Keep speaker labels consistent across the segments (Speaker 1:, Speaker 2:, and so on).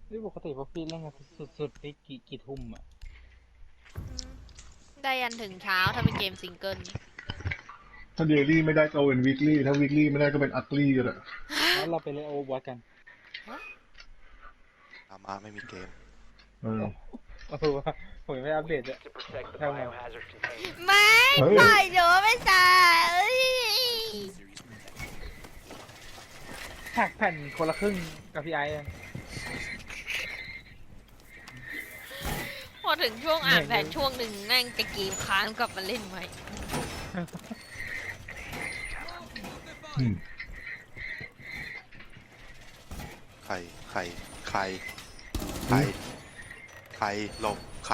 Speaker 1: นี่ปกติพอพี่เล่นกันสุดๆนี่กี่ทุ่มอ่ะ
Speaker 2: ได้ยันถึงเช้าถ้าเป็นเกมซิงเกิล
Speaker 3: ถ้าเดลี่ไม่ได้ก็เป็นวีคลี่ถ้าวีคลี่ไม่ได้ก็เป็นอัคลี่ก็ได้
Speaker 1: แล้วเราไปเล่นโอเวอร์วอตกัน
Speaker 4: อามาไม่มีเกม
Speaker 3: เออ
Speaker 1: โอ้โหผมยังไม่อัปเดตเลย
Speaker 5: To protect the
Speaker 1: ทำไง
Speaker 5: biohazard container.
Speaker 2: ไม่
Speaker 3: เฮ้ย
Speaker 2: ปล่อยหนูไม่ใช่เอ้ย
Speaker 1: หักแผ่นคนละครึ่งกับพี่ไอ้อะ
Speaker 2: พอถึงช่วงอ่านแผนช่วงหนึ่งนั่งจะเกมค้างกลับมาเล่นใหม่
Speaker 3: อืม
Speaker 4: ใครหลบใคร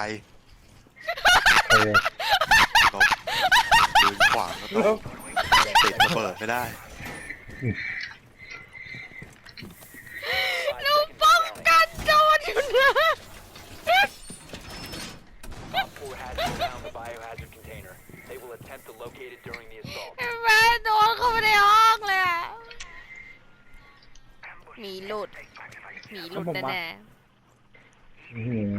Speaker 4: หลบยืนขวางก็ต้องติดระเบิดไม่ได้
Speaker 5: 5
Speaker 2: หนู
Speaker 5: seconds
Speaker 2: ป้อง
Speaker 5: counting.
Speaker 2: กันโดนอยู่นะ
Speaker 5: Op 4 has found the biohazard container. They will attempt to locate it during the assault.
Speaker 2: แม่โดนเข้าไปในห้องเลยอะหมีหลุดแน่
Speaker 3: อื้อหือ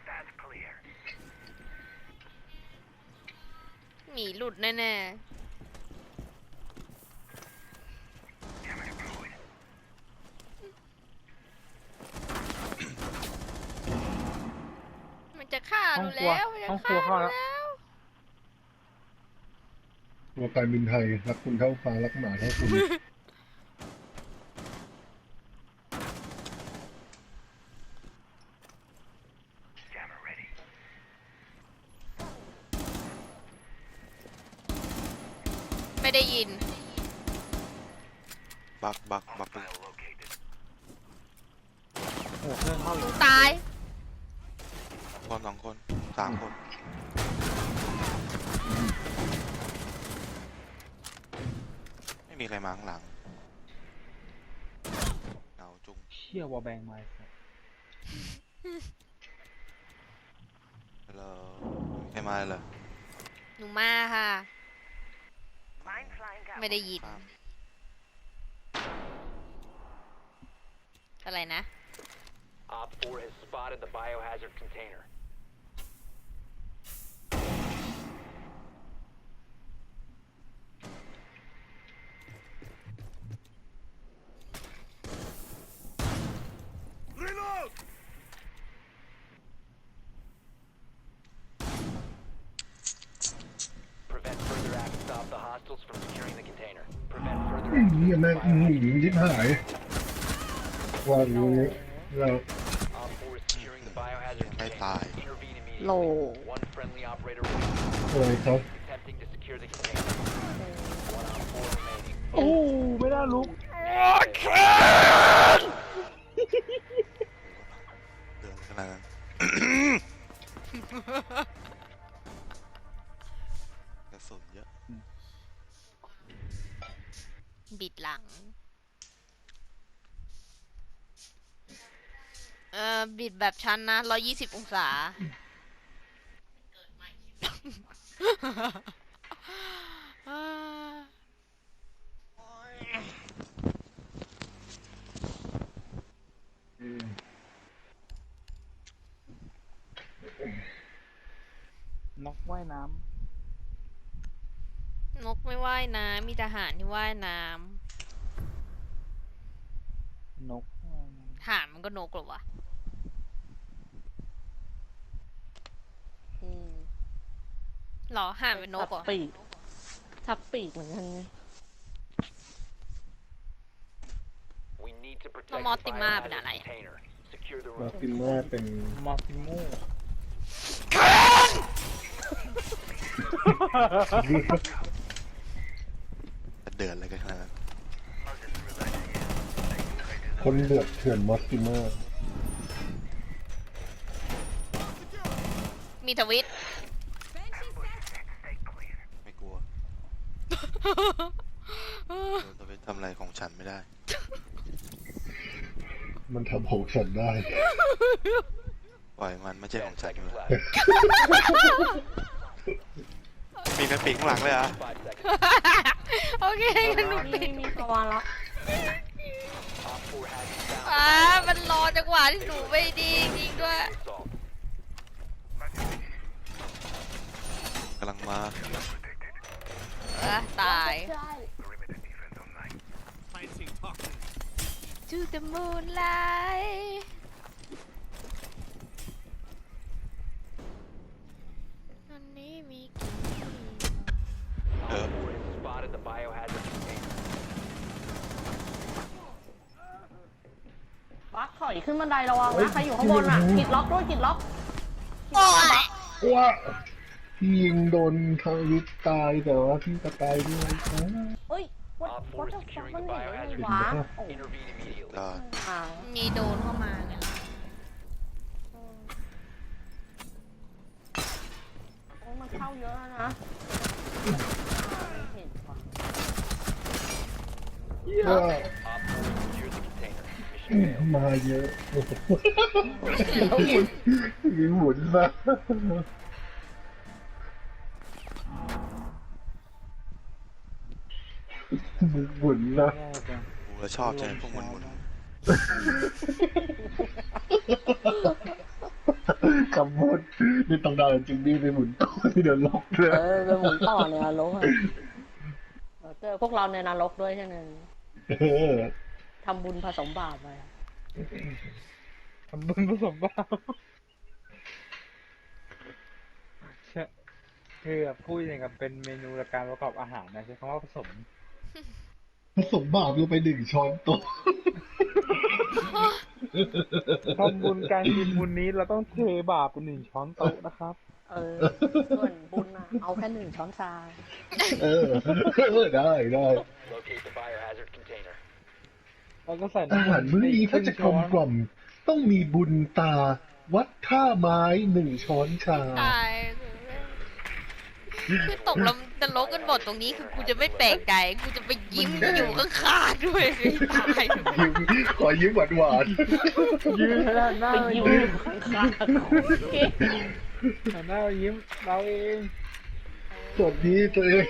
Speaker 2: ๆหมีหลุดแน่ๆมันจะฆ่าหนูแล้วมันจะ
Speaker 1: ห้องครั
Speaker 2: ฆ่าว หนู
Speaker 1: เข้าแล้ว
Speaker 2: แล้ว
Speaker 3: ตัวการบินไทยรักคุณเท่าฟ้ารักหมาเท่าคุณ
Speaker 2: ไม่ได้ยิน
Speaker 4: บักเลย
Speaker 1: โอ้โหเครื่องเข้า
Speaker 2: ห
Speaker 1: เล
Speaker 2: นู
Speaker 1: ย
Speaker 2: ตาย
Speaker 4: คน2 คน3 คน ไม่มีใครมาข้างหลังเงาจุง
Speaker 1: เชี่ยวอลแบงมาสัส
Speaker 4: แล้วไม่มีใครมาเลยเหรอ
Speaker 2: หนูมาค่ะ ไม่ได้ยิน
Speaker 4: ข้าม
Speaker 2: อะไรนะ
Speaker 5: Op 4 has spotted the biohazard container. Prevent further access. Stop the hostiles from securing the container. Prevent further
Speaker 3: อื้อ
Speaker 5: access.
Speaker 3: เหี้ย
Speaker 5: to
Speaker 3: แม่ง
Speaker 5: the
Speaker 3: อื้อหื
Speaker 5: biohazard
Speaker 3: อยิบหายว่ารู้เรา
Speaker 5: Op 4 is securing the biohazard
Speaker 4: ไม่
Speaker 5: container.
Speaker 4: ตาย
Speaker 5: Intervene
Speaker 2: โล
Speaker 5: immediately. One friendly operator remaining.
Speaker 3: อะไรครับ
Speaker 5: Attempting to secure the container. One Op 4 remaining.
Speaker 1: โอ้ไม่ได้ลุก
Speaker 4: เดินขนาดนั้น กระสุนเยอะ
Speaker 2: บิดหลัง บิดแบบชั้นนะ120 องศา
Speaker 1: นกว่ายน้
Speaker 2: นกไม่ว่ายน้ำมีทหารที่ว่ายน้
Speaker 1: ำนกว่ายน้
Speaker 2: ำทหารมันก็นกเหรอวะหรอห่านเป็นนกเหรอ
Speaker 6: ทับปีกเหมือนกัน
Speaker 5: We need to protect
Speaker 2: แล้ว
Speaker 5: the
Speaker 2: มอสติมาเป็น
Speaker 5: biohazard
Speaker 2: อะไรอะ
Speaker 5: container. Secure the
Speaker 3: มา
Speaker 5: room.
Speaker 3: ตินว่าเป็น
Speaker 1: ำมอสิโม่
Speaker 4: จะเดือดอะไรกันขนาดนั้น
Speaker 3: คนเดือดเถื่อนมอสติเมอร์
Speaker 2: มีทวิต
Speaker 4: ไม่กลัวโดนตะเวนทำอะไรของฉันไม่ได้
Speaker 3: มันทำของฉันได้
Speaker 4: ปล่อยมันไม่ใช่ของ
Speaker 5: 10
Speaker 4: ฉัน
Speaker 5: seconds
Speaker 4: เลย
Speaker 5: left.
Speaker 4: มีกระปิงข้างหลังเลยเหรอ่ะ
Speaker 5: 5 seconds.
Speaker 2: โอเคงั้นหนูปิด
Speaker 6: มีภาวะละ
Speaker 5: Op 4 has found
Speaker 2: มันรอจังหวะะที่หนูไม่ดีจริงด้วย
Speaker 5: Assault.
Speaker 4: กำลังมา
Speaker 2: ตาย
Speaker 6: ใช่
Speaker 2: To the moonlight อันนี้มีกี่
Speaker 4: เออ
Speaker 5: Op 4 has spotted the biohazard container.
Speaker 6: บักถอยขึ้นบันไดระวังนะ ใครอยู่ข้างบนอ่ะกิดล็อกด้วยกิดล็อก
Speaker 2: โอ้ย
Speaker 3: ว่าพี่ยิงโดนทางวิทย์ตายแต่ว่าพี่ก็ตายด้วยนะ
Speaker 6: เฮ้ยวัด
Speaker 5: Op
Speaker 6: วัด
Speaker 5: 4 is
Speaker 6: จะฟัง
Speaker 5: securing
Speaker 6: มัน
Speaker 5: the
Speaker 6: เห็นได้ไง
Speaker 5: biohazard
Speaker 6: วะ
Speaker 5: container.
Speaker 6: โอ้
Speaker 5: Intervene immediately.
Speaker 4: ได้
Speaker 6: อ่า
Speaker 2: มีโดนเข้ามาเนี่ย
Speaker 6: โอ้มันเข้าเยอะแล้วนะไม่เห็นว่ะ
Speaker 3: ก็
Speaker 5: Op 4 secured the container. Mission failed.
Speaker 3: มาเยอะมีหมุนมาหมุนนะ
Speaker 1: แย่จัง
Speaker 4: กูแล้วชอบใจพวกมันหมด
Speaker 3: คำพูดนี่ต้องได้จริงดีไปหมุนต่อที่เดินล็อกเลย
Speaker 6: ไปหมุนต่อในนรกอะเจอพวกเราในนรกด้วยใช่ไหมทำบุญผสมบาปไปอะ
Speaker 1: ทำบุญผสมบาปใช่คือแบบพูดอย่างกับเป็นเมนูและการประกอบอาหารนะใช้คำว่าผสม
Speaker 3: ผสมบาปลงไป1 ช้อนโต๊ะ
Speaker 1: ทำบุญการกินบุญนี้เราต้องเทบาปเป็น1 ช้อนโต๊ะนะครับ
Speaker 6: ส่วนบุญอะเอาแค่1 ช้อนชา
Speaker 3: ได้
Speaker 5: Locate the biohazard container.
Speaker 1: แล้วก็ใส่
Speaker 3: อาหารมื้อนี้ถ้าจะกลมกล่อมต้องมีบุญตา วัดท่าไม้1 ช้อนชา
Speaker 2: ตายคือตกลงนรกกันหมดตรงนี้คือกูจะไม่แปลกใจกูจะไปยิ้มอยู่ข้างๆด้วยไม่ตาย
Speaker 3: ขอยิ้มหวาน
Speaker 1: ยืนหน้า
Speaker 6: ไปยิ้มอยู่ข้างๆ
Speaker 1: หันหน้ามายิ้มเราเอง
Speaker 3: ๆสวัสดีตัวเอง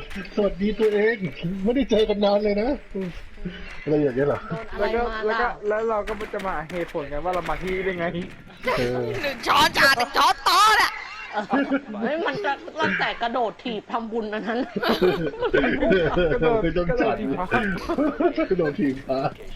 Speaker 3: ไม่ได้เจอกันนานเลยนะอะไรอย่างเงี้ยเหรอ
Speaker 6: โดนอะไร
Speaker 1: แล้วก็
Speaker 6: มา
Speaker 1: แล้ว
Speaker 6: ล่ะ
Speaker 1: ก็แล้วเราก็จะมาเหตุผลกันว่าเรามาที่นี่ได้ไง
Speaker 2: 1 ช้อนชา1 ช้อนโต๊ะน่ะ
Speaker 6: เฮ้ยมันจะตั้งแต่กระโดดถีบทำบุญอันนั้น
Speaker 3: ไม่ต้องจัดกระโดดถีบพระ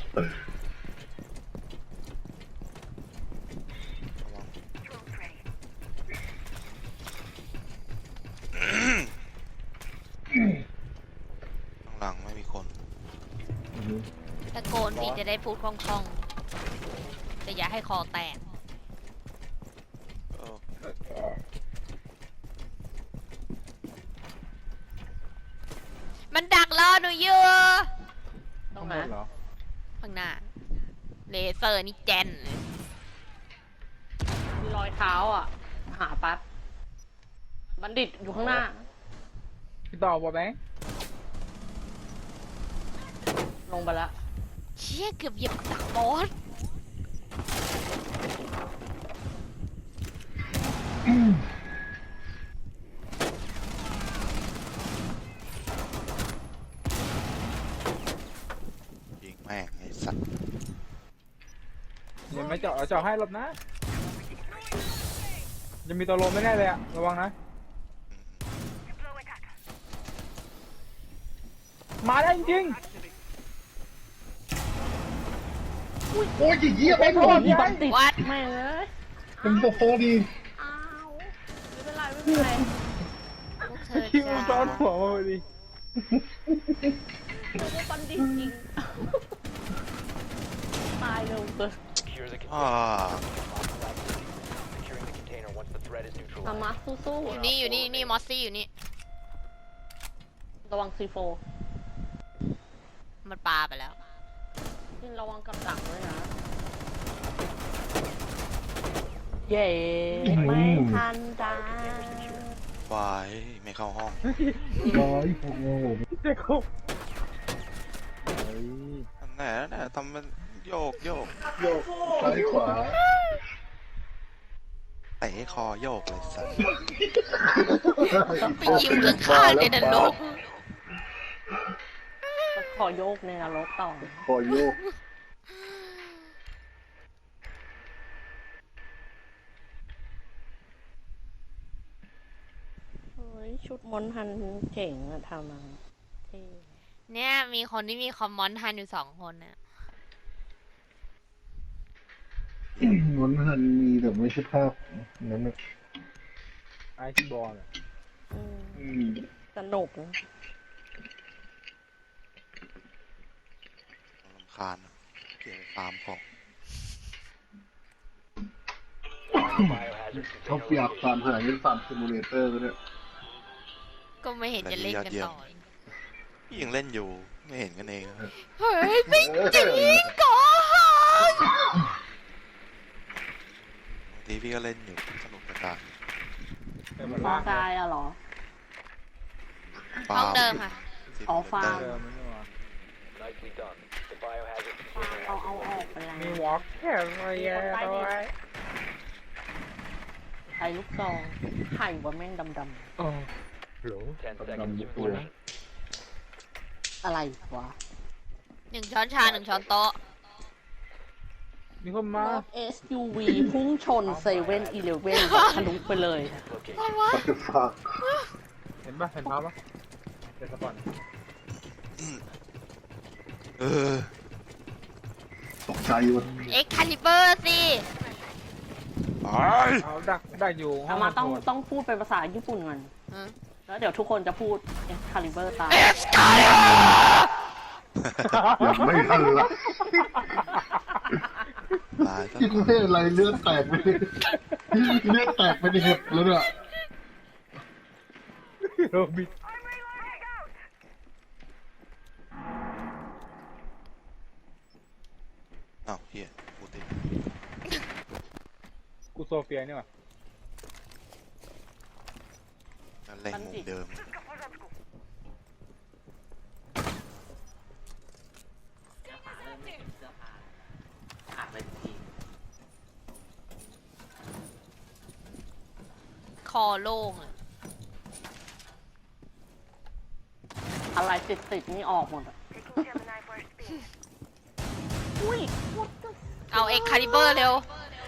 Speaker 4: ข้างหลังไม่มีคน
Speaker 2: ตะโกนพี่จะได้พูดคล่องๆแต่อย่าให้คอแตก
Speaker 4: เออ
Speaker 2: มันดักรอหนูอยู่
Speaker 6: ต้อ
Speaker 1: ข้าง ง
Speaker 6: ไห
Speaker 1: บ
Speaker 6: น
Speaker 1: นเหรอ
Speaker 2: ข้างหน้า เลเซอร์นี่แจนเลย
Speaker 6: มีรอยเท้าอ่ะ หาแป๊บบัณฑิตอยู่ข้างหน้า
Speaker 1: พี่ต่อบอกไหม
Speaker 6: ลงไปแล้ว
Speaker 2: เชี่ยเกือบเหยียบดักบอส
Speaker 4: ยิงแม่งไอ้สัตว์
Speaker 1: เดี๋ยวไม่เจาะเอาเจาะให้หลบนะจะมีตัวลมไม่แน่เลยอะระวังนะ มาได้จริง
Speaker 3: โอ้ยเยี่ยมไอ้โทษ
Speaker 6: มีบัณฑิต
Speaker 2: วัด
Speaker 6: แม่งเอ้ย
Speaker 3: เป็นโซโฟดี
Speaker 6: อ้าวไม่เป็นไรไม่เป็นไร
Speaker 2: พวกเธอ
Speaker 1: ๆคิว
Speaker 2: จ้า
Speaker 1: ซ้อนหัวมาพอดี
Speaker 6: โอ้บัณฑิตจริง ตายเร็วเกิน
Speaker 5: Secure the
Speaker 4: อ่า
Speaker 5: container. Securing the container once the threat is
Speaker 6: อา
Speaker 5: neutralized.
Speaker 6: มาสู้
Speaker 2: อยู่นี่อยู่นี่นี่มอสซี่อยู่นี่
Speaker 6: ๆระวังซีโฟ
Speaker 2: มันปาไปแล้ว
Speaker 6: นี่ระวังกับดักด้วยนะ เย้ไม่ทันจ้า
Speaker 4: ไฟไม่เข้าห้อง
Speaker 3: ร้อยโอ้โห
Speaker 1: เจ๊คบเฮ้ย
Speaker 4: นั่นแหละทำมันโยก
Speaker 3: โยกซ้ายขวา
Speaker 4: เตะคอโยกเลยสัตว์
Speaker 2: ไปยิ้มข้างๆในนรก
Speaker 6: ขอโยกในนรกต่อ
Speaker 3: คอโยก
Speaker 6: ชุดมอนทันเจ๋งอะทำมาเท่
Speaker 2: เนี่ยมีคนที่มีคอมมอนทันอยู่2 คนน่ะ
Speaker 3: มันหันมีแต่ไม่ใช่ภาพนั้นนะ
Speaker 1: ไอซ์บอลอะ
Speaker 6: อืม
Speaker 3: อืม
Speaker 6: สนุกนะ
Speaker 4: รำคาญอะเกี่ยวกับฟาร์มของ
Speaker 5: Biohazard
Speaker 3: เขา
Speaker 5: container
Speaker 3: อยาก
Speaker 5: located.
Speaker 3: ฟาร์มหาเล่นฟาร์มซิมูเลเตอร์ก็ได้
Speaker 2: ก็ไม่เห็นจะเล่นกันต่อ
Speaker 4: พี่ยังเล่นอยู่ไม่เห็นกันเองนะ
Speaker 2: เฮ้ยไม่
Speaker 3: จริง
Speaker 2: ก่อน
Speaker 4: บางทีพี่ก็เล่นอยู่สนุกกับการ
Speaker 1: เป็น
Speaker 6: ฟ
Speaker 1: มา
Speaker 6: อ
Speaker 1: ล่าง
Speaker 6: กายอะเหรอ
Speaker 2: ห้องเดิมค่ะ
Speaker 6: อ๋อฟาร์ม
Speaker 1: เดิมไม่ใช่หรอ
Speaker 5: Nicely done. The biohazard
Speaker 6: เอา
Speaker 5: container
Speaker 6: เอา
Speaker 5: has
Speaker 6: อ
Speaker 5: been
Speaker 6: อกไปแล้ว
Speaker 1: มีวอล์กแค่อะไรแย่ด้วย
Speaker 6: ใช้ลูกซองไข่ว่าแม่งดำ
Speaker 1: โอ้โห
Speaker 5: 10 seconds to
Speaker 3: ตัว
Speaker 5: insertion.
Speaker 6: ๆอะไรวะ
Speaker 2: 1 ช้อนชา 1 ช้อนโต๊ะ
Speaker 1: มีคนมา
Speaker 6: รถ SUV พุ่งชนเซเว่นอีเลฟเว่นทะลุไปเลย
Speaker 5: Location.
Speaker 3: ปัตเตอร์ฟาร์
Speaker 1: เห็นปะเห็นภาพปะเดี๋ยวสปอน
Speaker 4: เออ
Speaker 3: ตกใจวะ
Speaker 2: เอ็กคาลิเบอร์สิ
Speaker 4: ไป
Speaker 1: เอาดักอยู่ห้
Speaker 6: เอา
Speaker 1: อง
Speaker 6: มา
Speaker 1: คอนโทรล
Speaker 6: ต้องพูดเป็นภาษาญี่ปุ่นก่อน
Speaker 2: อืม
Speaker 6: แล้วเดี๋ยวทุกคนจะพูด Excalibur ตาม
Speaker 3: ยังไม่ทันละ
Speaker 4: ตายซะ
Speaker 3: คิดว่าอะไรเลือดแตกไปเลยเลือดแตกไปในเห็บแล้วเนี่ย
Speaker 1: โรบิท
Speaker 4: อ้าวเฮียกูติด
Speaker 1: กูโซเฟียนี่หว่า
Speaker 4: นั่นเล่งมุมเดิม
Speaker 2: คอโล่งอะ
Speaker 6: อะไรติดนี่ออกหมดอะอุ้ย what the
Speaker 2: เอาเอ็กคาลิเบอร์เร็ว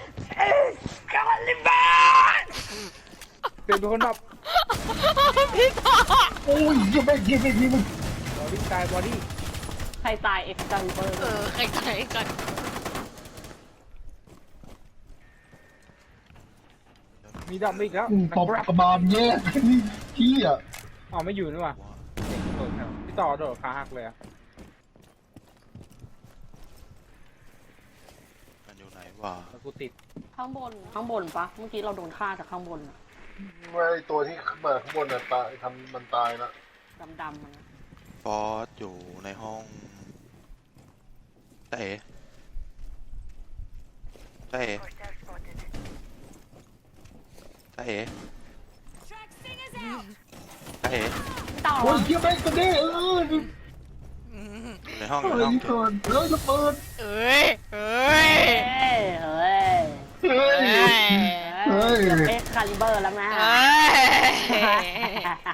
Speaker 1: เป็นคนแบบ
Speaker 2: พี่ต่อ
Speaker 3: โอ้ยยังไม่ยิงไม่ยิงมัน
Speaker 1: บอดี้ตายบอดี้
Speaker 6: ใครตาย Excalibur
Speaker 2: ใครใจก่อน
Speaker 1: มีดำอีกแล้ว
Speaker 3: ตบกระบาลแย่ที่อ่ะ
Speaker 1: อ๋อไม่อยู่นี่หว่าโดดแถวพี่ต่อโดดขาหักเลยอะ
Speaker 4: มันอยู่ไหนวะ
Speaker 1: แล้วกูติด
Speaker 6: ข้างบนปะเมื่อกี้เราโดนฆ่าจากข้างบนอะ
Speaker 3: ไม่ตัวที่มาข้างบนน่ะตายทำมันตายละ
Speaker 6: ดำๆมันนะ
Speaker 4: ฟอสอยู่ในห้องเต๋เต๋เต๋เต๋
Speaker 6: ต่อ
Speaker 3: โอ้ยเยี่ยมแม่งกระเด้อยู่
Speaker 4: ในห้อง
Speaker 3: เฮ้
Speaker 4: ในห้อง
Speaker 3: ยก่อนเฮ้ยระเบิด
Speaker 2: เอ้ย เอ้ย
Speaker 6: เฮ้ย
Speaker 3: เฮ้ย
Speaker 6: เฮ้ย
Speaker 3: เฮ้ย
Speaker 6: Excalibur แล้วแม่
Speaker 2: เอ้ย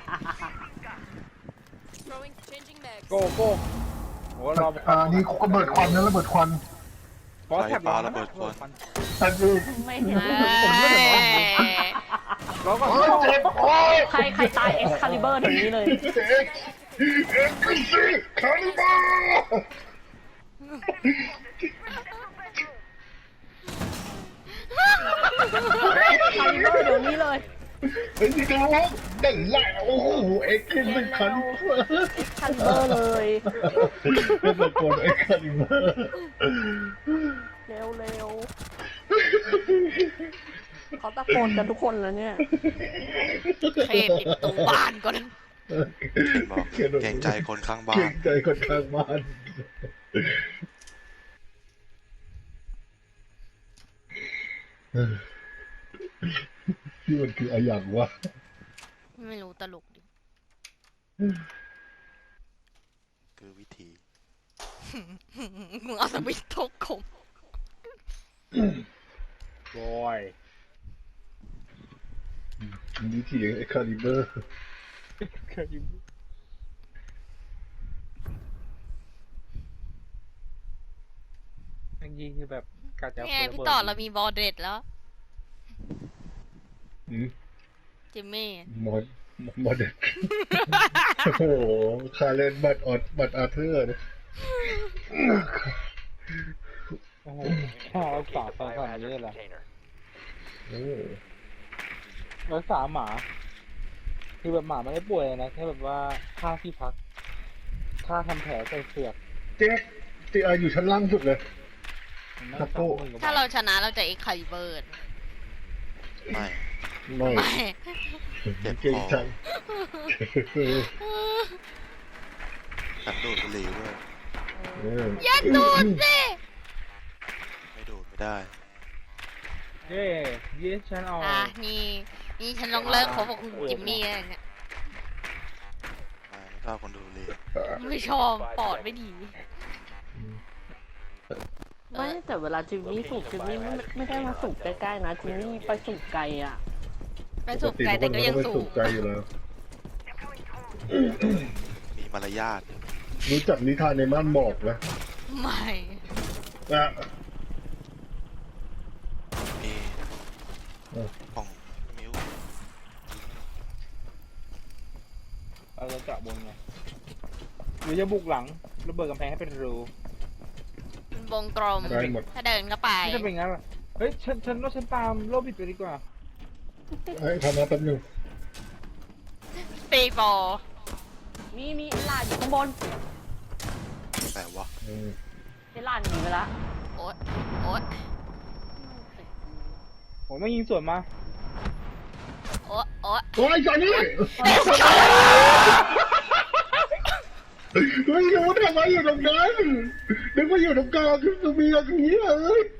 Speaker 1: โก้โก้โหรอ
Speaker 3: นี่เขาระเบิดควันนะระเบิดควัน
Speaker 1: ฟอสแท็บ
Speaker 4: ไฟฟ้าระเบิดควัน
Speaker 3: อันนี้
Speaker 6: ไม่เห็น
Speaker 1: แล้วก็
Speaker 3: โอ้ยเจ็บโอ้ย
Speaker 6: ใครตาย Excalibur ถึงนี้เลย
Speaker 3: เอ็กซ์ซีคาริบา
Speaker 6: Excalibur เดี๋ยวนี้เลย
Speaker 3: เฮ้ยนี่กระโหลกได้แล้วโอ้โหเอ็กซ์ซีคาริบา
Speaker 6: Excalibur เลย
Speaker 3: เป็นตะโกนเอ็กซ์คาริบา
Speaker 6: เร็วเขาตะโกนกันทุกคนแล้วเนี่ย
Speaker 2: เทปิดประตูบ้านก่อน
Speaker 4: บอกเกรงใจคนข้างบ้า
Speaker 3: เก่
Speaker 4: น
Speaker 3: งใจคนข้างบ้านที่มันคืออะไรอย่างวะ
Speaker 2: ไม่รู้ตลกดิ
Speaker 4: คือวิธี
Speaker 2: มึงเอาสวิตช์ทกคม
Speaker 1: บอย
Speaker 3: นี่ที่เอ็กคาลิเบอร์
Speaker 1: ยิงคือแบบกัดจะ
Speaker 2: นี่ไงพี่ต่อเรามีบอลเด็ดแล้ว จิมมี่
Speaker 3: หมดโมเดลโอ้โหคาเรนบัตอาเธอร์นะ
Speaker 1: โอ้โหค่ารักษา
Speaker 5: Locate
Speaker 1: ไป
Speaker 5: the
Speaker 1: ขนาดนี้
Speaker 5: biohazard
Speaker 1: เลยเหรอ
Speaker 5: container.
Speaker 1: รักษาหมา คือแบบหมาไม่ได้ป่วยนะแค่แบบว่าค่าที่พัก ค่าทำแผลใส่เสือก
Speaker 3: เจ๊ตีอาอยู่ชั้นล่างสุดเลย
Speaker 1: มันไม่
Speaker 3: ครับ
Speaker 1: ส
Speaker 3: โก้
Speaker 1: องหมื่นกว่า
Speaker 2: ถ้า
Speaker 1: บาท
Speaker 2: เราชนะเราจะเอ็กคาลิเบอร์
Speaker 4: ไม่
Speaker 3: ไม่
Speaker 2: ไม่
Speaker 4: เจ็บ
Speaker 3: เก่ง
Speaker 4: คอ
Speaker 3: จัง
Speaker 4: กันดูดบุหรี่ด้วย
Speaker 2: อย่าดูดสิ
Speaker 4: ไม่ดูดไม่ได้
Speaker 1: เย้เย้ฉันเอา
Speaker 2: นี่ฉันลองเลิกคบกับคุณจิมมี่แล้วเนี่ย
Speaker 4: ไม่ชอบคนดูดบุหรี่
Speaker 2: ไม่ชอบปอดไม่ดี
Speaker 6: ไม่แต่เวลาจิมมี่สูบจิมมี่ไม่ได้มาสูบใกล้ๆนะจิมมี่ไปสูบไกลอ่ะ
Speaker 2: ไปสูบไกลแต่ก็ยังสู
Speaker 3: สู
Speaker 2: บบ
Speaker 3: ไกลอยู่แล้ว
Speaker 4: มีมารยาท
Speaker 3: รู้จักนิทานในม่านหมอกนะ
Speaker 2: ไม่
Speaker 3: อ่ะ
Speaker 4: มี
Speaker 3: เออ
Speaker 4: ของมิว
Speaker 1: เราจะเจาะบนไงหรือจะบุกหลังระเบิดกำแพงให้เป็นรู
Speaker 2: เป็นวงกลม
Speaker 3: ได้หมด
Speaker 2: ถ้าเดินเข้าไป
Speaker 1: ไม่จะเป็นงั้นหรอเฮ้ยฉันว่าฉันตามโลบิดไปดีกว่า
Speaker 3: ให้ทำมาแป๊บนึง
Speaker 2: ตีบอล
Speaker 6: มีไอ้หลานอยู่ข้างบน
Speaker 4: แต่ว่า
Speaker 6: ไอ้หลานหนีไปละ
Speaker 2: โอ๊ตโอ๊ต
Speaker 1: ผมไม่ยิงสวนมา
Speaker 2: โอ๊ตโอ๊ต
Speaker 3: โอ้ยจอนนี่ไม่รู้ทำไมอยู่ตรงนั้นนึกว่าอยู่ตรงกลางคือมีอย่างนี้เลย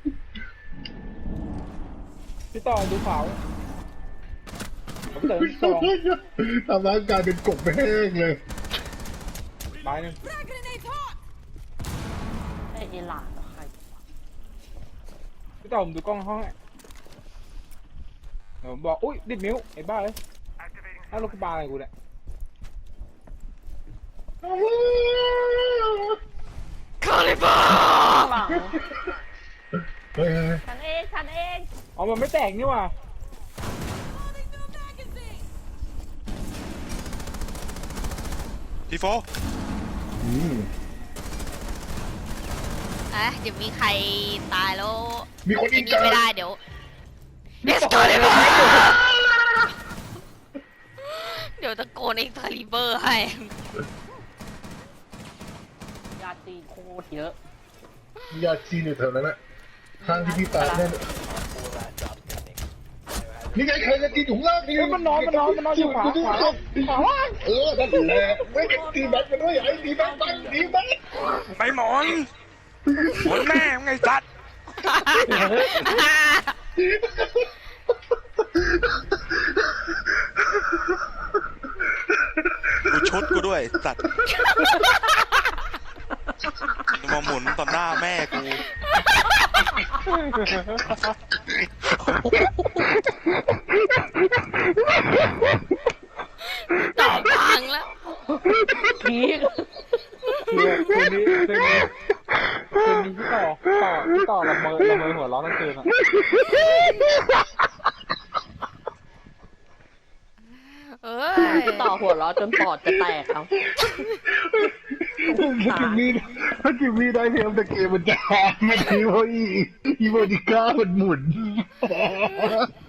Speaker 1: พี่ต่อดูขาวผมเติมสอง
Speaker 3: ทำร่างกายเป็นกบแห้งเลย
Speaker 1: ไม้หนึง
Speaker 6: ไอ้หลานเหรอใคร
Speaker 1: พี่ต่อผมดูกล้องห้องให้เดี๋ยวผมบอกอุ้ยดิดมิ้วไอ้บ้าเลยถ้ารถกระบะอะไรกูเนี่ย
Speaker 2: คาลิเบอร์
Speaker 6: ข้างหลัง
Speaker 3: เฮ้ย
Speaker 6: ฉันเอง
Speaker 1: อ๋อมันไม่แตกนี่หว่า
Speaker 4: พี่โฟ
Speaker 2: เดี๋ยวมีใครตายแล้ว
Speaker 3: มีคน
Speaker 2: ไอ้
Speaker 3: อีก
Speaker 2: นี่ไม่ได้เดี๋ยว It's c a l i b e r เดี๋ยวตะโกน It's c a l i b e r ให้
Speaker 6: ยาตีโคตรเยอะ
Speaker 3: ญาติจีนอยู่แถวนั้นนะข้างที่พี่ตายนั่น
Speaker 5: Four last stops standing. Biohazard
Speaker 3: นี่ไงใครจะกินถุงลากนี่
Speaker 1: เฮ้ยมันนอนอยู่ขวาล่าง
Speaker 3: เออนั่นแหละไม่ไอ้ตีแบทมาด้วยไอ้ตีแบทบ้างตีแบท
Speaker 4: ไปหมอนหมอนแม่งไงสัตว์ดูชุดกูด้วยสัตว์มาหมุนต่อหน้าแม่กู
Speaker 2: ต่อพังแล้ว
Speaker 6: พีก
Speaker 1: คืนนี้พี่ต่อละเมอหัวร้อนทั้งคืนอ่ะ
Speaker 2: เอ้ย
Speaker 6: ต่อหัวเราะจนปอดจะแตกเอา
Speaker 3: ถ้าจิมมี่ได้เทมแต่เกมมันจะแฮกไม่ดีเพราะอีโมดิก้ามันหมุน